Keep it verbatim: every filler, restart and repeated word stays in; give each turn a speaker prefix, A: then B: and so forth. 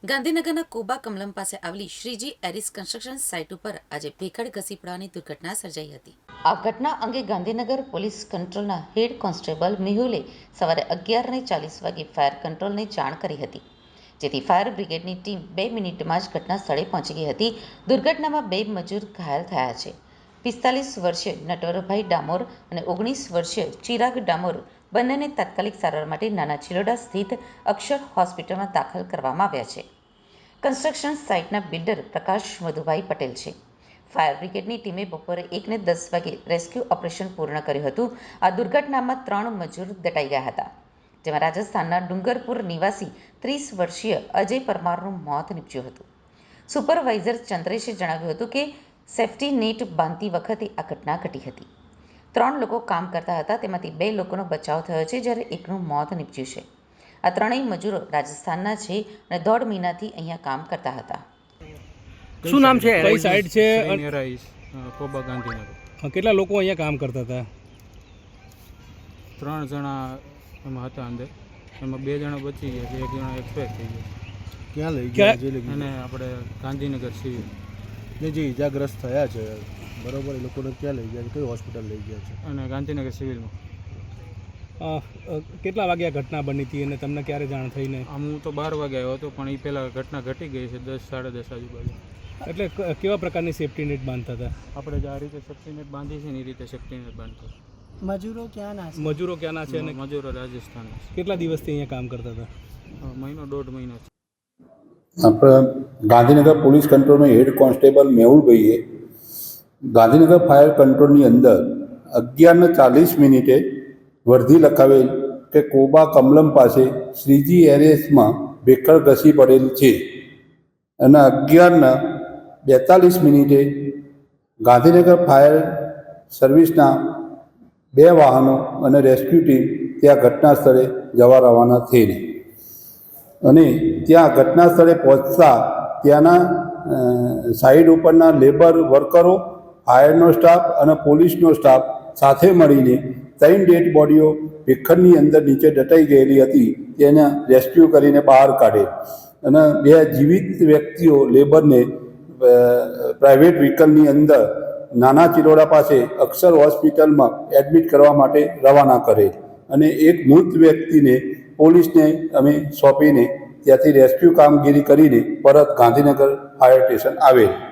A: ગાંધીનગરના કોબા કમલમ પાસે આવેલી શ્રીજી એરિસ કન્સ્ટ્રક્શન સાઇટ ઉપર આજે ભેખડ ઘસી પડવાની દુર્ઘટના સર્જાઈ હતી. આ ઘટના અંગે ગાંધીનગર પોલીસ કંટ્રોલના હેડ કોન્સ્ટેબલ મેહુલે સવારે અગિયાર ને ચાલીસ વાગે ફાયર કંટ્રોલને જાણ કરી હતી, જેથી ફાયર બ્રિગેડની ટીમ બે મિનિટમાં જ ઘટના સ્થળે પહોંચી ગઈ હતી. દુર્ઘટનામાં બે મજૂર ઘાયલ થયા છે. પિસ્તાલીસ વર્ષીય નટવરભાઈ ડામોર અને ઓગણીસ વર્ષીય ચિરાગ ડામોર બંનેને તાત્કાલિક સારવાર માટે નાના ચિલોડા સ્થિત અક્ષર હોસ્પિટલમાં દાખલ કરવામાં આવ્યા છે. કન્સ્ટ્રક્શન સાઇટના બિલ્ડર પ્રકાશ મધુભાઈ પટેલ છે. ફાયર બ્રિગેડની ટીમે બપોરે એક ને દસ વાગે રેસ્ક્યુ ઓપરેશન પૂર્ણ કર્યું હતું. આ દુર્ઘટનામાં ત્રણ મજૂર દટાઈ ગયા હતા, જેમાં રાજસ્થાનના ડુંગરપુર નિવાસી ત્રીસ વર્ષીય અજય પરમારનું મોત નીપજ્યું હતું. સુપરવાઇઝર ચંદ્રેશે જણાવ્યું હતું કે સેફ્ટી નેટ બાંધતી વખતે આ ઘટના ઘટી હતી. ત્રણ લોકો કામ કરતા હતા, તેમાંથી બે લોકોનો બચાવ થયો છે, જ્યારે એકનું મોત નીપજ્યું છે. આ ત્રણેય મજૂરો રાજસ્થાનના છે અને દોઢ મહિનાથી અહીંયા કામ કરતા હતા.
B: શું નામ છે?
C: કઈ સાઈડ છે? કોબા ગાંધીનગર.
B: કેટલા લોકો અહીંયા કામ કરતા હતા?
C: ત્રણ જણા એમાં હતા અંદર, એમાં બે જણા બચી ગયા છે, એક જણા એક્સપાયર થઈ ગયા.
D: ક્યાં લઈ ગયા?
C: અને આપણે ગાંધીનગર સિવિલ
D: ને જે ઇજાગ્રસ્ત થયા છે, બરોબર, એ લોકોને ક્યાં લઈ ગયા છે, કઈ હોસ્પિટલ લઈ ગયા છે?
C: અને ગાંધીનગર સિવિલમાં.
B: અ, અ, કેટલા વાગ્યા ઘટના બની હતી અને તમને ક્યારે જાણ થઈને?
C: આમ હું તો બાર વાગે આવ્યો હતો, પણ એ પહેલાં ઘટના ઘટી ગઈ છે દસ સાડા દસ આજુબાજુ.
B: એટલે ક- કેવા પ્રકારની સેફ્ટી નેટ બાંધતા હતા?
C: આપણે જે આ રીતે સેફ્ટી નેટ બાંધી છે ને એ રીતે સેફ્ટી નેટ બાંધતો.
E: મજૂરો ક્યાંના છે?
B: મજૂરો ક્યાંના છે અને
C: મજૂરો રાજસ્થાન
B: કેટલા દિવસથી અહીંયા કામ કરતા હતા?
C: મહિનો દોઢ મહિનો છે.
F: આપણા ગાંધીનગર પોલીસ કંટ્રોલમાં હેડ કોન્સ્ટેબલ મેહુલભાઈએ ગાંધીનગર ફાયર કંટ્રોલની અંદર અગિયારને ચાલીસ મિનિટે વર્ધી લખાવેલ કે કોબા કમલમ પાસે શ્રીજી એરિસમાં ભેખડ ઘસી પડેલ છે અને અગિયારના બેતાલીસ મિનિટે ગાંધીનગર ફાયર સર્વિસના બે વાહનો અને રેસ્ક્યુ ટીમ ત્યાં ઘટના સ્થળે જવા રવાના થઈને અને ત્યાં ઘટના સ્થળે પહોંચતા ત્યાંના સાઈડ ઉપરના લેબર વર્કરો, ફાયરનો સ્ટાફ અને પોલીસનો સ્ટાફ સાથે મળીને ત્રણ ડેડ બોડીઓ ભેખડની અંદર નીચે દટાઈ ગયેલી હતી તેને રેસ્ક્યુ કરીને બહાર કાઢે અને બે જીવિત વ્યક્તિઓ લેબરને પ્રાઇવેટ વ્હીકલની અંદર નાના ચિલોડા પાસે અક્ષર હોસ્પિટલમાં એડમિટ કરવા માટે રવાના કરે અને એક મૃત વ્યક્તિને પોલીસને અમે સોંપીને ત્યાંથી રેસ્ક્યુ કામગીરી કરીને પરત ગાંધીનગર ફાયર સ્ટેશન આવેલ.